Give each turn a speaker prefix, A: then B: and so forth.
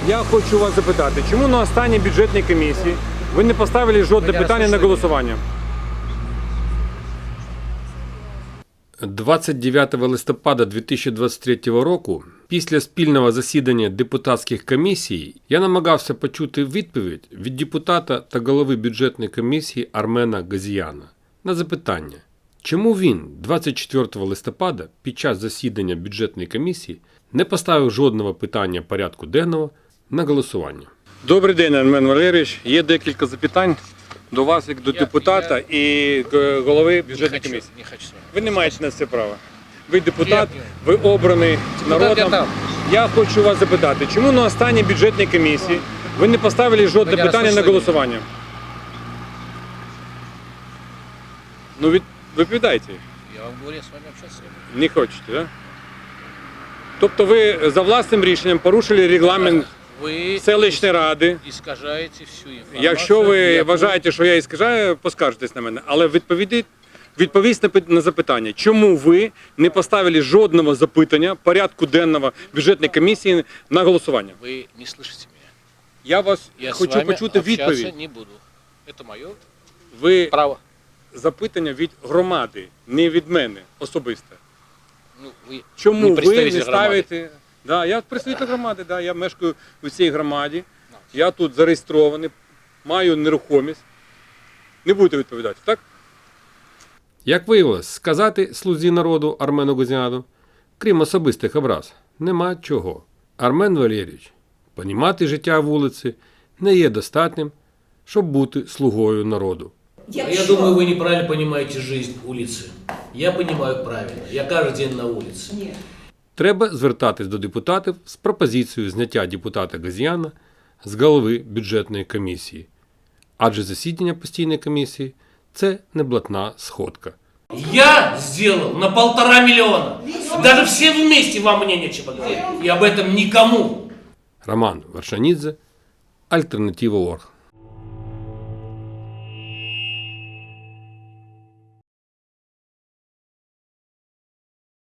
A: Я хочу вас запитати, чому на останній бюджетній комісії ви не поставили жодне питання на голосування? 29 листопада 2023 року, після спільного засідання депутатських комісій, я намагався почути відповідь від депутата та голови бюджетної комісії Армена Газіяна на запитання, чому він 24 листопада під час засідання бюджетної комісії не поставив жодного питання порядку денного на голосування. Добрий день, Армен Валерійович. Є декілька запитань до вас, як до депутата і голови бюджетної комісії.
B: Не хочу с вами.
A: Ви не маєте на це права. Ви депутат, ви обраний народом.
B: я
A: Я хочу вас запитати, чому на останній бюджетній комісії ви не поставили жодне питання на голосування? Ну, відповідайте.
B: Я вам говорю, я с вами общаться не буду.
A: Не хочете, так? Да? Тобто ви за власним рішенням порушили регламент
B: Вы
A: селищної ради.
B: искажаете всю информацию.
A: Якщо ви
B: Я
A: вважаєте, що я іскажаю, поскаржитесь на мене. Але відповісти на запитання, чому ви не поставили жодного запитання порядку денного бюджетної комісії на голосування?
B: Вы не слышите меня.
A: Я вас
B: Я с
A: хочу
B: вами
A: почути
B: общаться
A: відповідь.
B: не буду. Это мое
A: Ви
B: право.
A: запитання від громади, не від мене особисто.
B: Ну, вы
A: Чому
B: не
A: ви
B: представитель
A: не ставите? Да, я представитель громади, да, я мешкаю у цій громаді, я тут зареєстрований, маю нерухомість. Не будете відповідати, так? Як виявилось, сказати слузі народу Армену Газіану, крім особистих образ, нема чого. Армен Валерійович, понімати життя вулиці не є достатнім, щоб бути слугою народу.
C: Я думаю, вы неправильно понимаете жизнь улицы. Я понимаю правильно. Я каждый день на улице.
A: Треба звертатись до депутатів з пропозицією зняття депутата Газіяна з голови бюджетної комісії. Адже засідання постійної комісії – це не блатна сходка.
C: Я сделал на 1,5 миллиона. Даже все вместе вам мне нечего говорить. И об этом никому.
A: Роман Варшанідзе, Альтернатива.орг.